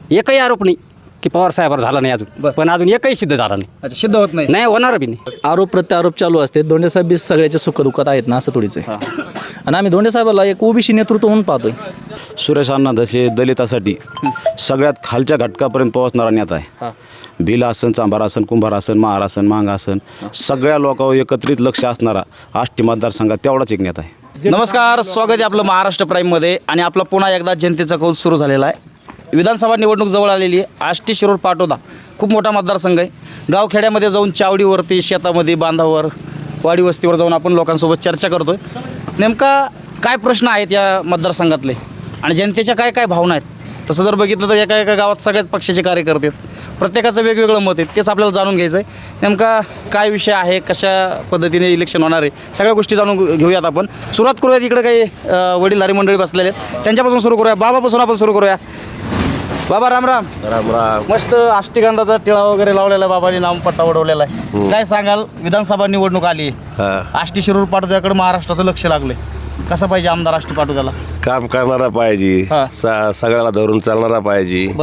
एकही आरोप नाही की पवार साहेबावर झाला नाही अजून, पण अजून एकही सिद्ध झाला नाही. अच्छा, सिद्ध होत नाही. नाही होणार बी नाही. आरोप प्रत्यारोप चालू असते. धोंडे साहेब बी सगळ्याच्या सुखदुःखात आहेत ना, असं थोडीच आहे. आणि आम्ही धोंडे साहेबाला एक ओबीसी नेतृत्व म्हणून पाहतोय. सुरेश अण्णा धसे दलितासाठी सगळ्यात खालच्या घटकापर्यंत पोहोचणारा नेता आहे. भिल आसन, चांभार आसन, कुंभार आसन, महार आसन, मांग आसन, सगळ्या लोकांवर एकत्रित लक्ष असणारा आष्टी मतदारसंघात तेवढाच एक नेता आहे. नमस्कार, स्वागत आहे आपलं महाराष्ट्र प्राईममध्ये. आणि आपला पुन्हा एकदा जनतेचा कौल सुरू झालेला आहे. विधानसभा निवडणूक जवळ आलेली आहे. आष्टी, शिरूर, पाटोदा खूप मोठा मतदारसंघ आहे. गावखेड्यामध्ये जाऊन चावडीवरती, शेतामध्ये, बांधावर, वाडी वस्तीवर जाऊन आपण लोकांसोबत चर्चा करतोय. नेमका काय प्रश्न आहेत या मतदारसंघातले आणि जनतेच्या काय काय भावना आहेत. तसं जर बघितलं तर एका एका गावात सगळ्याच पक्षाचे कार्यकर्ते आहेत. प्रत्येकाचं वेगवेगळं मत आहे. तेच आपल्याला जाणून घ्यायचं आहे. नेमका काय विषय आहे, कशा पद्धतीने इलेक्शन होणार आहे, सगळ्या गोष्टी जाणून घेऊयात आपण. सुरुवात करूयात. इकडे काही वडीलधारी मंडळी बसलेले आहेत, त्यांच्यापासून सुरू करूया. बाबापासून आपण सुरू करूया. बाबा राम राम. राम राम. मस्त अष्टगंधाचा टिळा वगैरे लावलेला आहे, बाबांनी नामपट्टा उडवलेला आहे. काय सांगाल, विधानसभा निवडणूक आली आहे, आष्टी, शिरूर, पाटोद्याकडे महाराष्ट्राचं लक्ष लागलंय. कसं पाहिजे आमदार आष्टी पाटोद्याला? काम करणारा पाहिजे, सगळ्याला धरून चालणारा पाहिजे. बर.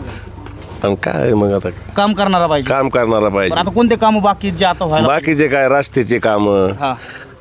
पण काय मग आता काम करणारा पाहिजे. काम करणारा बरं, पाहिजे. आता कोणते काम बाकी जे आता व्हायला बाकीचे काय रस्त्याचे काम, हा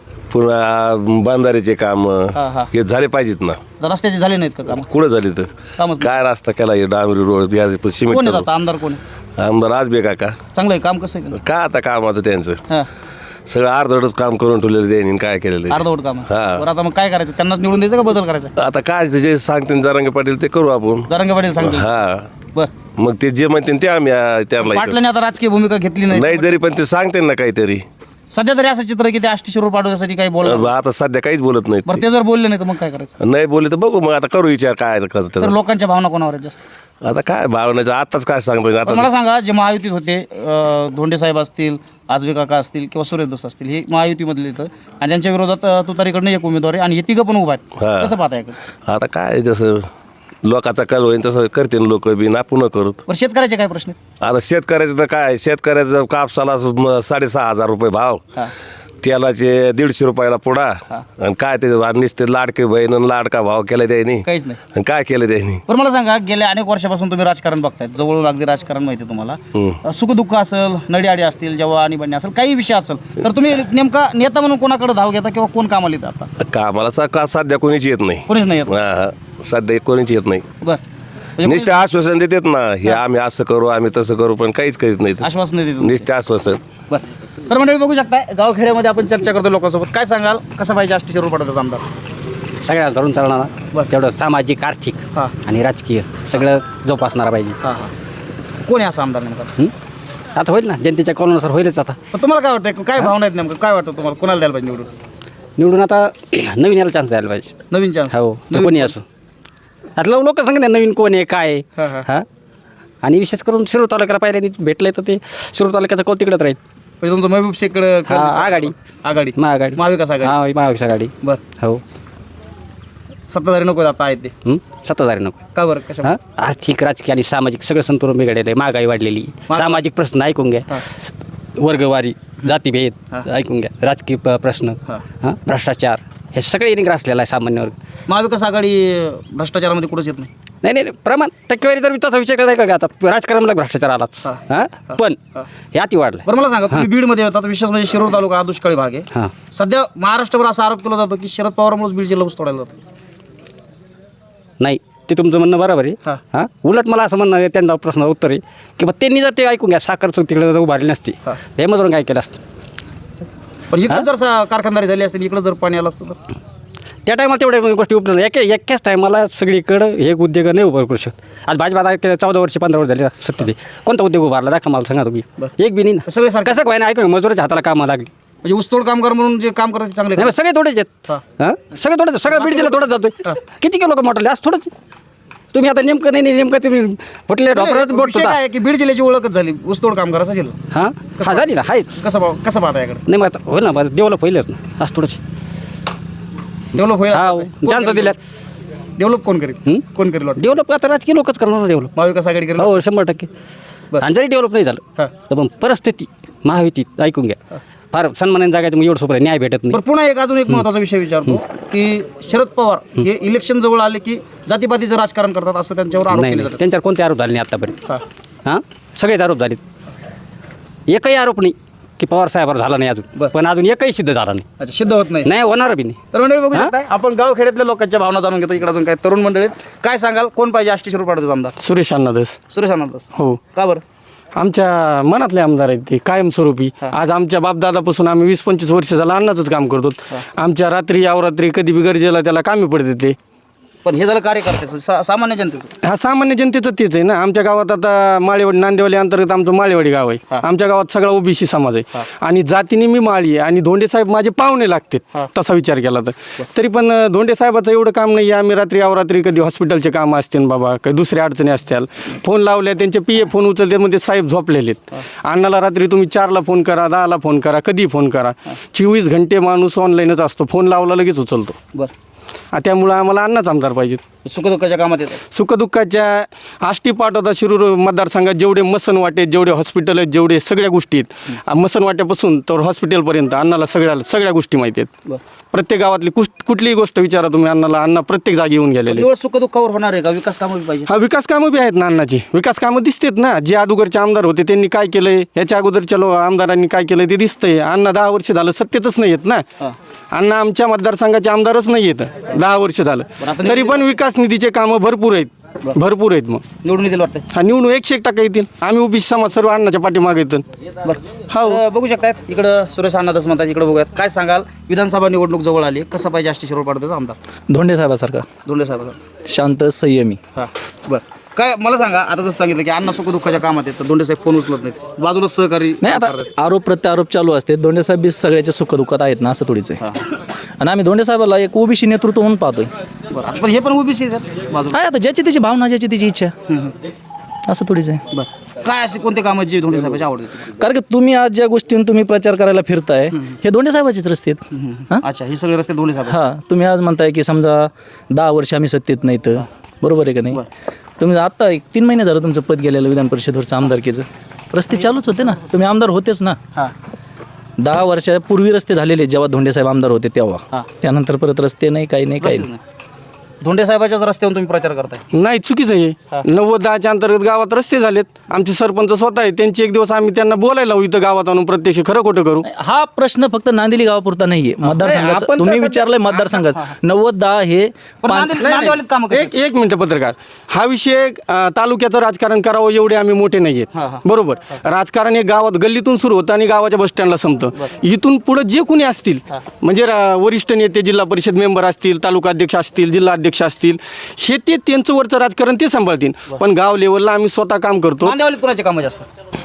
पुन्हा बांधारीचे काम हा. हे झाले पाहिजेत ना. रस्त्याचे झाले नाहीत का काम? कुठं झाले तर कामच नाही. काय रस्ता केला हे डांबरी रोड या कोण सिमेंट आहेत आता आमदार? कोण आहे? आमदार आज बे काका चांगलं आहे काम? कसं आहे? काय आता कामाचं त्यांचं हां, सगळं अर्धवटच काम करून ठेवलेलं त्यांनी काय केलेलं आहे. अर्धवट काम आहे. हा. बरं, आता मग काय करायचं? त्यांनाच निवडून द्यायचं का बदल करायचा? आता काय जे सांगते जरांगे पाटील ते करू आपण. जरांगे पाटील सांगतो. हा, बरं, मग ते जे म्हणते ते आम्ही त्यांना पाटलांनी आता राजकीय भूमिका घेतली नाही. नाही जरी पण ते सांगते ना काहीतरी. सध्या तरी असं चित्र आहे की ते आष्टी, शिरूर, पाटोद्यासाठी काही बोललं. आता सध्या काहीच बोलत बरं, नाही. ते जर बोलले नाही तर मग काय करायचं? नाही बोलले तर बघू मग आता करू विचार काय कसं तर त्याचं. लोकांच्या भावना कोणावर आहेत जास्त? आता काय भावनेचं आताच काय सांगतो तर आता. मला सांगा, जे महायुतीत होते, धोंडे साहेब असतील, आजबे काका असतील किंवा सुरेश दस असतील, हे महायुतीमधले येतं आणि त्यांच्या विरोधात तुतारीकडनं एक उमेदवार आहे आणि हे तिघं पण उभा आहेत. हा. कसं पाहता याकडे? आता काय जसं लोकांचा कल होईल तसं करते लोक बी ना पुन्हा करत. बरं, शेतकऱ्याचे काय प्रश्न आहेत? आता शेतकऱ्याचं तर काय शेतकऱ्याचं कापसाला 6,500 रुपये भाव, हां, तेलाचे 150 रुपयाला पुडा, आणि काय ते नुसते लाडके बहीण आणि लाडका भाव केला त्यांनी. काहीच नाही. आणि काय केलं त्यांनी. पण मला सांगा, गेल्या अनेक वर्षापासून तुम्ही राजकारण बघतायत, जवळून अगदी राजकारण माहिती आहे तुम्हाला. सुखदुःख असेल, नडीआडी असतील, जेव्हा आणीबाणी असेल, काही विषय असेल तर तुम्ही नेमका नेता म्हणून कोणाकडे धाव घेता किंवा कोण कामाला येतं? आता कामाला का सध्या कोणीच येत नाही. कोणीच नाही येत. हा, सध्या कोणीच येत नाही. बरं, म्हणजे नुसते आश्वासन देतात ना, हे आम्ही असं करू आम्ही तसं करू, पण काहीच करीत नाही. आश्वासन नाही देत. नुसते आश्वासन. बरं, तर मंडळी बघू शकताय, गावखेड्यामध्ये आपण चर्चा करतो लोकांसोबत. काय सांगाल, कसं पाहिजे आष्टी, शिरूर, पाटोद्याचा आमदार? सगळ्याला धरून चालणारा, बरं. तेवढं सामाजिक, आर्थिक हां. आणि राजकीय सगळं जोपासणारा पाहिजे. हां हां. कोण आहे असा आमदार नेमका? आता होईल ना, जनतेच्या कौलानुसार होईलच. आता पण तुम्हाला काय वाटतं, काय भावना आहेत नेमकं? काय वाटतं तुम्हाला, कोणाला द्यायला पाहिजे निवडून? निवडून आता नवीन याला चान्स द्यायला पाहिजे. नवीन चान्स? हो, तो कोणी असो. आता लोक सांगते नवीन कोण आहे काय आहे. हां, हां. हां, आणि विशेष करून शिरूर तालुक्याला पाहिल्याने भेटलंय तर ते शिरूर तालुक्याचं कौल तिकडंच राहील. म्हणजे तुमचं महबूब शेखकडं आघाडी. आघाडी, महाआघाडी, महाविकास आघाडी. हां, महाविकास आघाडी. बरं, हो. सत्ताधारी नको आता आहेत ते. सत्ताधारी नको. का बरं? कशा? हां, आर्थिक, राजकीय आणि सामाजिक सगळं संतुलन बिघडलेलं आहे. महागाई वाढलेली, सामाजिक प्रश्न ऐकून घ्या, वर्गवारी, जातीभेद ऐकून घ्या, राजकीय प्रश्न, हां, भ्रष्टाचार, हे सगळे येणे ग्रासलेलं आहे सामान्य वर्ग. महाविकास आघाडी भ्रष्टाचारामध्ये कुठंच येत नाही. नाही, प्रमाण टक्केवारी जर तसा विचार करायचा का, आता राजकारणाला भ्रष्टाचार आलाच. हां, पण हे अति वाढलं. बरं, मला सांगा, तुम्ही बीडमध्ये होतात, विशेष म्हणजे शिरूर तालुका हा दुष्काळी भाग आहे. हां, सध्या महाराष्ट्रभर असा आरोप केला जातो की शरद पवारांमुळेच बीड जिल्हा ऊस तोडायला जातो. नाही, ते तुमचं म्हणणं बरोबर आहे. हां. हां, उलट मला असं म्हणणं आहे, त्यांना प्रश्न उत्तर आहे की बा त्यांनी जर ते ऐकून घ्या, साखर तिकडे जर उभारली नसती, हे मधून काय केलं असतं. पण इकडे जर कारखानदारी झाली असते, इकडे जर पाणी आलं असतं तर त्या टायमाला तेवढ्या गोष्टी उपलब्ध एकाच टायमाला सगळीकडं हे उद्योग नाही उभं करू शकत. आज भाजपा 14 वर्ष 15 वर्ष झाले सत्तेचे, कोणता उद्योग उभारला दाखवा मला, सांगा तुम्ही. एक बी नाही ना. सगळे सारखे. कसं काय ना, ऐकू मजुराच्या हाताला कामं लागली. म्हणजे ऊसतोड कामगार म्हणून जे काम करतात चांगले नाही, सगळे थोडेच आहेत. हां, सगळे थोडेच, सगळं बीड जिल्हा थोडंच जातोय. किती लोक मोठले आज थोडंच. तुम्ही आता नेमकं नाही नेमकं तुम्ही फुटले डॉक्टरच बोट विषय काय आहे की बीड जिल्ह्याची ओळखच झाली ऊसतोड कामगाराचा जिल्हा. हां, झाली ना, आहेच. कसं पाहता याकडे? नाही, मग आता हो ना, डेव्हलप होईलच ना आज थोडंच. डेव्हलप होईल. चान्स दिल्यात. डेव्हलप कोण करेल? कोण करेल? डेव्हलप आता राजकीय लोकच करणार डेव्हलप. महाविकास आघाडी करेल. हो, 100%. आणि जरी डेव्हलप नाही झालं तर मग परिस्थिती महायुतीत ऐकून घ्या, फार सन्मानाने जगायचं मग एवढं सोपं आहे, न्याय भेटत नाही. बरं पुन्हा अजून एक महत्त्वाचा विषय विचारतो की शरद पवार हे इलेक्शन जवळ आले की जातीपातीचं राजकारण करतात असं त्यांच्यावर आरोप नाही केले नाही जातात. त्यांच्यावर कोणते आरोप झाले नाही आत्तापर्यंत. हां हां सगळेच आरोप झालेत. एकही आरोप नाही की पवार साहेबावर झाला नाही अजून, बरं. पण अजून एकही सिद्ध झाला नाही. अच्छा सिद्ध होत नाही. नाही होणार बी नाही. तर मंडळी बघू शकताय आपण गावखेड्यातल्या लोकांच्या भावना जाणून घेतो. इकडे अजून काय तरुण मंडळी आहेत. काय सांगाल कोण पाहिजे आष्टी शिरूर पाटोदाचा आमदार? सुरेश अण्णादास. सुरेश अण्णादास. हो. का बरं? आमच्या मनातले आमदार आहेत ते कायमस्वरूपी. आज आमच्या बापदादापासून आम्ही 20-25 वर्ष झालं अन्नाचंच काम करतो. आमच्या रात्री अवरात्री कधी बी गरजेला त्याला कामी पडते ते. पण हे झालं कार्यकर्त्याचं सामान्य जनतेचं. हा सामान्य जनतेचं तेच आहे ना. आमच्या गावात आता माळेवाडी नांदेवाली अंतर्गत आमचं माळेवाडी गाव आहे. आमच्या गावात सगळा ओबीसी समाज आहे आणि जातीने मी माळी आहे आणि धोंडे साहेब माझे पाहुणे लागतात तसा विचार केला तर. तरी पण धोंडे साहेबाचं एवढं काम नाही आहे. आम्ही रात्री अवरात्री कधी हॉस्पिटलचे कामं असतील बाबा काही दुसऱ्या अडचणी असतील फोन लावल्या त्यांचे PA फोन उचलते म्हणजे साहेब झोपलेले आहेत. अण्णाला रात्री तुम्ही 4ला फोन करा 10ला फोन करा कधी फोन करा 24 घंटे माणूस ऑनलाईनच असतो. फोन लावला लगेच उचलतो. बरं त्यामुळं आम्हाला अण्णाच आमदार पाहिजेत. सुखदुःखाच्या कामात येतात. सुखदुःखाच्या आष्टी पाटोदा शिरूर मतदारसंघात जेवढे मसन वाटे जेवढे हॉस्पिटल आहेत जेवढे सगळ्या गोष्टी आहेत मसन वाट्यापासून तर हॉस्पिटलपर्यंत अण्णाला सगळ्या गोष्टी माहिती आहेत. प्रत्येक गावातली कुठलीही गोष्ट विचारा तुम्ही अण्णाला. अण्णा प्रत्येक जागी येऊन गेलेले. एवढं सुखदुःखावर होणार आहे का? विकास कामं पाहिजे. हा विकास कामं बी आहेत ना अण्णाची. विकास कामं दिसतात ना. जे अगोदरचे आमदार होते त्यांनी काय केलंय ह्याच्या अगोदरच्या आमदारांनी काय केलंय ते दिसतंय. अण्णा 10 वर्ष झालं सत्तेतच नाही येत ना. अण्णा आमच्या मतदारसंघाचे आमदारच नाही येत 10 वर्ष झालं. तरी पण विकास निधीचे कामं भरपूर आहेत. मग निवडून येतील वाटतं. हा निवडून 101% येतील. आम्ही ओबीसी समाज सर्व अण्णाच्या पाठीमागे येतो. बरं बघू शकतायत इकडं सुरेश अण्णादास म्हणतात. इकडे बघूयात काय सांगाल विधानसभा निवडणूक जवळ आली कसा पाहिजे आष्टी शिरूर पाटोदाचा आमदार? धोंडे साहेबासारखा धोंडे साहेब. शांत संयमी. हां बरं काय मला सांगा आता जसं सांगितलं की अण्णा सुखदुःखाच्या कामात आहेत तर धोंडे साहेब फोन उचलत नाहीत बाजूला सहकारी नाही आता आरोप प्रत्यारोप चालू असते. धोंडे साहेब बी सगळ्याच्या सुखदुःखात आहेत ना असं थोडीच आहे. आणि आम्ही धोंडे साहेबाला एक ओबीसी नेतृत्व म्हणून पाहतोय. बरं पण हे पण ओबीसी बाजूला. काय आता ज्याची त्याची भावना ज्याची त्याची इच्छा असं थोडीच आहे. बरं काय असे कोणते कामं जे धोंडे साहेबांची आवडते? कारण की तुम्ही आज ज्या गोष्टींनी तुम्ही प्रचार करायला फिरताय हे धोंडे साहेबाचेच रस्ते आहेत. हां अच्छा हे सगळे रस्ते धोंडे साहेब. हां तुम्ही आज म्हणताय की समजा 10 वर्ष आम्ही सत्तेत नाही तर बरोबर आहे का नाही? तुम्ही आता 3 महिने झालं तुमचं पद गेलेलं विधान परिषदेवरचं आमदारकीचं. रस्ते चालूच होते ना. तुम्ही आमदार होतेच ना. 10 वर्षापूर्वी रस्ते झालेले जेव्हा धोंडे साहेब आमदार होते तेव्हा. त्यानंतर परत रस्ते नाही काही नाही. धोंडे साहेबाच्याच रस्त्यावरून तुम्ही प्रचार करताय? नाही चुकीचं आहे. 90-10च्या अंतर्गत गावात रस्ते झालेत. आमचे सरपंच स्वतः आहे. त्यांचे एक दिवस आम्ही त्यांना बोलायला लावू इथं गावात आणून प्रत्यक्ष खरं खोटं करू. हा प्रश्न फक्त नांदिली गावापुरता नाहीये मतदारसंघाचा. आपण तुम्ही त्या- विचारलंय मतदारसंघात 90-10 हे नांदेवालीत कामं कशी? एक मिनिट पत्रकार. हा विषय तालुक्याचं राजकारण करावं एवढे आम्ही मोठे नाही आहेत. बरोबर. राजकारण हे गावात गल्लीतून सुरू होतं आणि गावाच्या बस स्टँडला संपतं. इथून पुढे जे कोणी असतील म्हणजे वरिष्ठ नेते जिल्हा परिषद मेंबर असतील तालुका अध्यक्ष असतील जिल्हा अध्यक्ष असतील हे ते त्यांचं वरचं राजकारण ते सांभाळतील. पण गाव लेवलला आम्ही स्वतः काम करतो. नांदेवालीत कोणाचे कामं जास्त?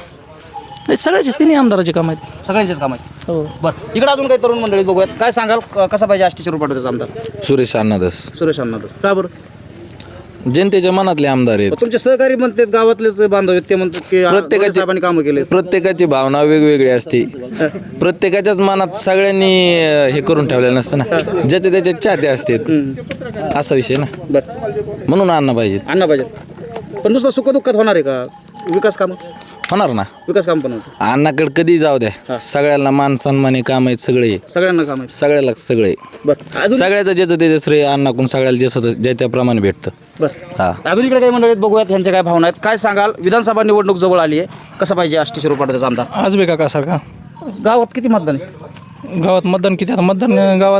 सगळ्याचे तिन्ही आमदाराचे काम आहेत. सगळ्यांचेच काम आहेत. हो. बरं इकडे अजून काही तरुण मंडळी बघूयात काय सांगाल कसा पाहिजे आष्टी शिरूर पाटोदाचा आमदार? सुरेश अण्णादास सुरेश अण्णादास. का बरं? जनतेच्या मनातले आमदार आहेत. तुमचे सहकारी म्हणतात गावातलेच बांधव आहेत ते म्हणतात की धोंडे साहेबांनी कामं केले. प्रत्येकाची भावना वेगवेगळी असते. प्रत्येकाच्याच मनात सगळ्यांनी हे करून ठेवलेलं नसतं ना. ज्याचे त्याचे चाहते असतात असा विषय ना. बरं म्हणून अण्णा पाहिजेत. अण्णा पाहिजे. पण नुसतं सुखदुःखात होणार आहे का विकास कामं? होणार ना. विकास काम पण होतं. अण्णाकडे कधी जाऊ द्या सगळ्याला मान सन्माने काम आहेत सगळे. सगळ्यांना काम आहे. सगळ्याला सगळे बरं अजून सगळ्याचं ज्याचं त्याचं श्रेय अण्णाकडून सगळ्याला ज्याचं ज्या त्याप्रमाणे भेटतं. बरं हा अजून इकडे काही मंडळीत बघूयात ह्यांच्या काय भावना आहेत. काय सांगाल विधानसभा निवडणूक जवळ आली आहे कसं पाहिजे आष्टी शिरूर पाटोदाचा आमदार? आज बे काका सारखा गावात किती मतदान आहे? गावात मतदान किती आता मतदान गावात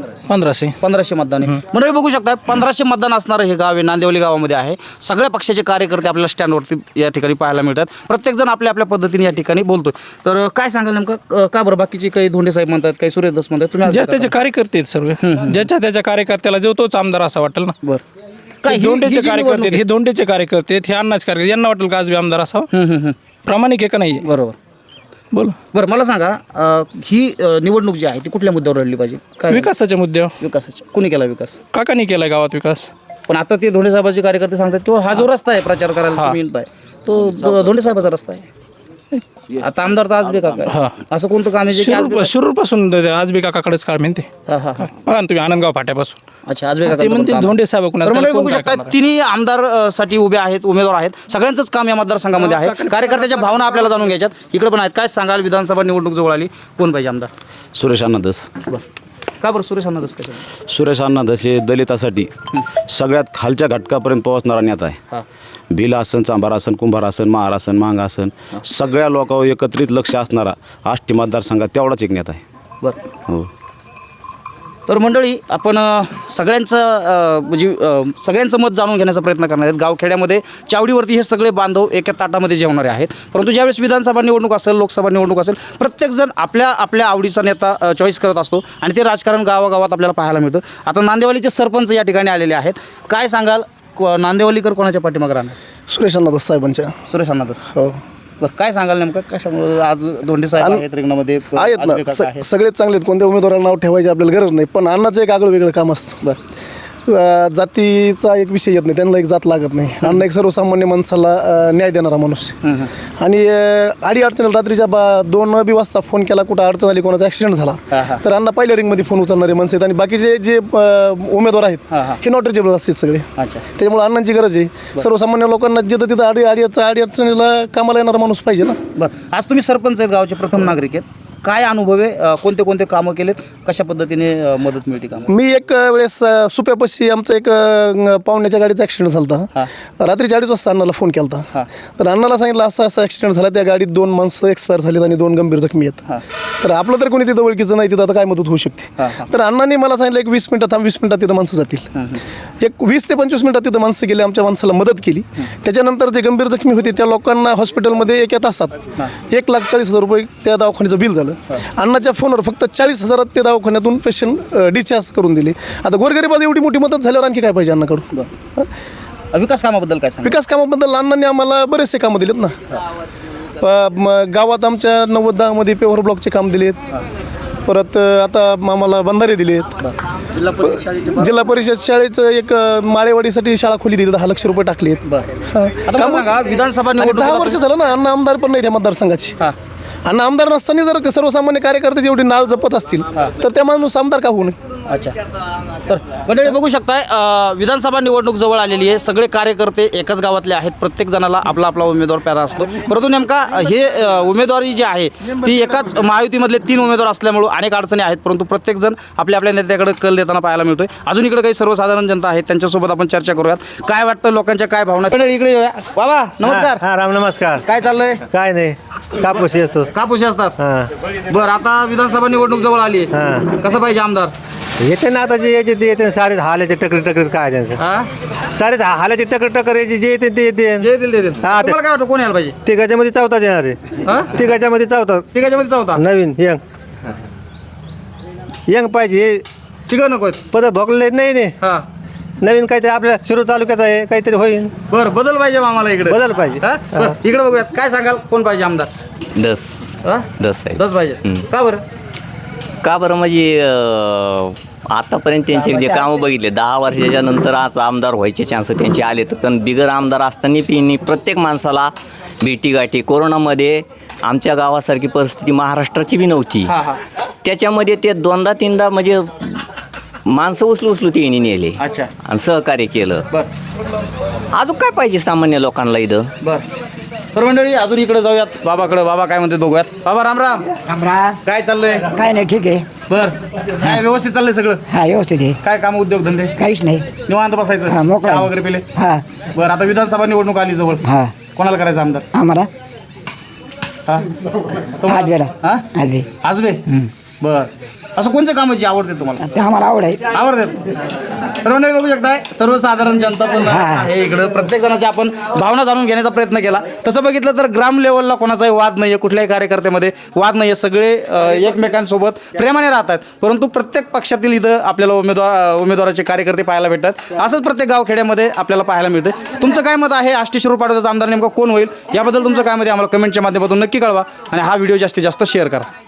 1500 मतदान आहे. मंडळी बघू शकता 1500 मतदान असणारं हे गाव आहे नांदेवली गावामध्ये आहे. सगळ्या पक्षाचे कार्यकर्ते आपल्याला स्टँडवरती या ठिकाणी पाहायला मिळतात. प्रत्येकजण आपल्या आपल्या पद्धतीने या ठिकाणी बोलतोय. तर काय सांगाल नेमकं का बरं बाकीचे काही धोंडे साहेब म्हणतात काही सुरेश दास म्हणतात तुम्ही ज्या त्याचे कार्यकर्ते आहेत सर्व ज्याच्या त्याच्या कार्यकर्त्याला जो तोच आमदार असा वाटेल ना. बरं काय धोंडेचे कार्यकर्ते आहेत, हे धोंडेचे कार्यकर्ते आहेत, हे अण्णाचे कार्यकर्ते यांना वाटेल का आज बी आमदार असावा? प्रामाणिक आहे का नाही? बरोबर. बोल. बरं मला सांगा ही निवडणूक जी आहे ती कुठल्या मुद्द्यावर लढली पाहिजे? काय विकासाच्या मुद्द्यावर विकासाची कोणी केला विकास? काकांनी केलाय गावात विकास. पण आता ते धोंडे साहेबाचे कार्यकर्ते सांगतात किंवा हा जो रस्ता आहे प्रचार करायला तुम्ही येत आहे तो धोंडे साहेबाचा रस्ता आहे. आता आमदार तर आज बे काका असं कोणतं काम आहे जे की आज शिरूर पासून आज बी काकाकडेच काळ म्हणते. हां हां बघा ना तुम्ही आनंदगाव फाट्यापासून अच्छा आजबे ते म्हणतील धोंडे साहेब कोण तर मंडळी बघू शकता तिन्ही आमदार साठी उभे आहेत, उमेदवार आहेत. सगळ्यांचंच काम या मतदारसंघामध्ये आहे. कार्यकर्त्याच्या भावना आपल्याला जाणून घ्यायच्यात. इकडे पण आहेत. काय सांगाल, विधानसभा निवडणूक जवळ आली, कोण पाहिजे आमदार? सुरेश अण्णा धस. बरं, का बरं सुरेश अण्णा धस कशा? सुरेश अण्णा धस हे दलितासाठी सगळ्यात खालच्या घटकापर्यंत पोहोचणारा नेता आहे. भिल आसन, चांभार आसन, कुंभार आसन, महार आसन, मांग आसन सगळ्या लोकांवर एकत्रित लक्ष असणारा आष्टी मतदारसंघात तेवढाच एक नेता आहे. बरं, हो. तर मंडळी आपण सगळ्यांचं मत जाणून घेण्याचा प्रयत्न करणार आहेत. गावखेड्यामध्ये चावडीवरती हे सगळे बांधव एका ताटामध्ये जेवणारे आहेत. परंतु ज्यावेळेस विधानसभा निवडणूक असेल, लोकसभा निवडणूक असेल, प्रत्येकजण आपल्या आपल्या आवडीचा नेता चॉईस करत असतो आणि ते राजकारण गावागावात आपल्याला पाहायला मिळतं. आता नांदेवालीचे सरपंच या ठिकाणी आलेले आहेत. काय सांगाल, नांदेवालीकर कोणाच्या पाठीमागे राहणार? सुरेश अण्णा साहेबांच्या. सुरेश अण्णा धस. हो बरं, काय सांगाल नेमकं कशामुळे आज धोंडे साहेब आहेत रिंगणामध्ये? आहेत ना, सगळेच चांगले आहेत. कोणत्या उमेदवाराला नाव ठेवायची आपल्याला गरज नाही. पण अण्णाचं एक आगळं वेगळं काम असतं. बरं, जातीचा एक विषय येत नाही, त्यांना एक जात लागत नाही. अण्णा एक सर्वसामान्य माणसाला न्याय देणारा माणूस. आणि आडी अडचणी रात्रीच्या 2 वाजता फोन केला, कुठं अडचण आली, कोणाचा ॲक्सिडेंट झाला, तर अण्णा पहिल्या रिंगमध्ये फोन उचलणारे माणसं आहेत. आणि बाकीचे जे उमेदवार आहेत हे नॉट रिचेबल असतात सगळे. त्याच्यामुळे अण्णांची गरज आहे. सर्वसामान्य लोकांना जिथं तिथं आडी अडचणीला कामाला येणारा माणूस पाहिजे ना. बरं, आज तुम्ही सरपंच आहेत, गावचे प्रथम नागरिक आहेत. काय अनुभव आहे, कोणते कोणते कामं केलेत, कशा पद्धतीने मदत मिळते काम? मी एक वेळेस सुप्यापाशी आमचं एक पाहुण्याच्या गाडीचा ॲक्सिडेंट झाला होता. रात्री 4:30 वाजता अण्णाला फोन केला होता. तर अण्णाला सांगितलं असं ॲक्सिडेंट झाला, त्या गाडीत 2 माणसं एक्सपायर झालीत आणि 2 गंभीर जखमी आहेत. तर आपलं तर कोणी तिथं ओळखीचं नाही, तिथं आता काय मदत होऊ शकते. तर अण्णांनी मला सांगितलं एक 20 मिनिटात 20 मिनिटात तिथं माणसं जातील. एक 20 ते 25 मिनिटात तिथं माणसं गेली, आमच्या माणसाला मदत केली. त्याच्यानंतर जे गंभीर जखमी होते त्या लोकांना हॉस्पिटलमध्ये एका तासात 1,40,000 रुपये त्या दवाखान्याचं बिल झालं. अण्णाच्या फोनवर फक्त 40,000 ते दवाखान्यातून पेशंट डिस्चार्ज करून दिले. आता गोरगरिबात एवढी मोठी मदत झाल्यावर आणखी काय पाहिजे अण्णाकडून? विकास कामाबद्दल काय सांग? विकास कामाबद्दल अण्णांनी आम्हाला बरेचसे कामं दिलेत ना. गावात आमच्या 90-10 पेवर ब्लॉकचे काम दिलेत. परत आता आम्हाला बंधारे दिलेत. जिल्हा परिषद शाळेचं एक माळेवाडीसाठी शाळा खोली दिली, 10 लाख रुपये टाकलेत. विधानसभा 10 वर्ष झालं ना अण्णा आमदार पण नाही त्या मतदारसंघाची. अण्णा आमदार नसताना जर सर्वसामान्य कार्यकर्ते जेवढी नाळ जपत असतील तर त्या माणूस आमदार का होऊ नये? अच्छा, तर मंडळी बघू शकताय, विधानसभा निवडणूक जवळ आलेली आहे. सगळे कार्यकर्ते एकाच गावातले आहेत. प्रत्येक जणाला आपला आपला उमेदवार प्यारा असतो. परंतु नेमका हे उमेदवारी जी आहे ती एकाच महायुतीमधले 3 उमेदवार असल्यामुळे अनेक अडचणी आहेत. परंतु प्रत्येकजण आपल्या आपल्या नेत्याकडे कल देताना पाहायला मिळतोय. अजून इकडे काही सर्वसाधारण जनता आहेत, त्यांच्यासोबत आपण चर्चा करूयात. काय वाटतं लोकांच्या काय भावना? मंडळी इकडे येऊया. बाबा नमस्कार. हा राम नमस्कार. काय चाललंय? काय नाही, कापूस येतो. कापूस असतात. बरं, आता विधानसभा निवडणूक जवळ आली आहे, कसं पाहिजे आमदार? येते ना आता जे यायचे ते येते, सारे हालाचे टकर काय त्यांचं, सारे हालाचे टकर यायचे जे येते ते येते. हा, तुम्हाला काय वाटतं कोण यायला पाहिजे? तिघाच्यामध्ये चौथा येणार आहे. तिघाच्यामध्ये चौथा नवीन यंग पाहिजे. तिघं नको पद भोगले नाही. नवीन काहीतरी आपल्या शिरूर तालुक्यात आहे, काहीतरी होईल. बरं, बदल पाहिजे आम्हाला इकडे. बदल पाहिजे. इकडे बघूयात. काय सांगाल, कोण पाहिजे आमदार? दस आहे. 10 पाहिजे. का बरं? का बरं म्हणजे आतापर्यंत त्यांचे जे कामं बघितले 10 वर्षाच्या नंतर आज आमदार व्हायचे चान्स त्यांचे आले. तर पण बिगर आमदार असताना पिणी प्रत्येक माणसाला भेटीगाठी. कोरोनामध्ये आमच्या गावासारखी परिस्थिती महाराष्ट्राची बी नव्हती. त्याच्यामध्ये ते 2दा-3दा म्हणजे माणसं उचलू त्यांनी नेले आणि सहकार्य केलं. अजून काय पाहिजे सामान्य लोकांना इथं? बरं, तर मंडळी अजून इकडे जाऊयात बाबाकडे. बाबा काय म्हणते बघूयात. बाबा राम राम. राम राम. काय चाललंय? काय नाही, ठीक आहे. बरं, काय व्यवस्थित चाललंय सगळं? हा, व्यवस्थित आहे. काय काम उद्योग धंदे? काहीच नाही, निवांत बसायचं, मोकळं. चहा वगैरे पिले? हा. बरं, आता विधानसभा निवडणूक आली जवळ. हा. कोणाला करायचं आमदार? आम्हाला हा, आजबेला. हा, आजबे. आजबे. बरं, असं कोणत्या कामाची आवडते तुम्हाला? ते आम्हाला आवड आहे. आवडतात. तर मंडळी बघू शकताय, सर्वसाधारण जनता पण आहे इकडं. प्रत्येक जणाच्या आपण भावना जाणून घेण्याचा प्रयत्न केला. तसं बघितलं तर ग्राम लेवलला कोणाचाही वाद नाही आहे, कुठल्याही कार्यकर्त्यामध्ये वाद नाही आहे. सगळे एकमेकांसोबत प्रेमाने राहतात. परंतु प्रत्येक पक्षातील इथं आपल्याला उमेदवाराचे कार्यकर्ते पाहायला भेटतात. असंच प्रत्येक गावखेड्यामध्ये आपल्याला पाहायला मिळते. तुमचं काय मत आहे? आष्टी शिरूर पाटोद्याचा आमदार नेमका कोण होईल याबद्दल तुमचं काय मत आहे? आम्हाला कमेंटच्या माध्यमातून नक्की कळवा आणि हा व्हिडिओ जास्तीत जास्त शेअर करा.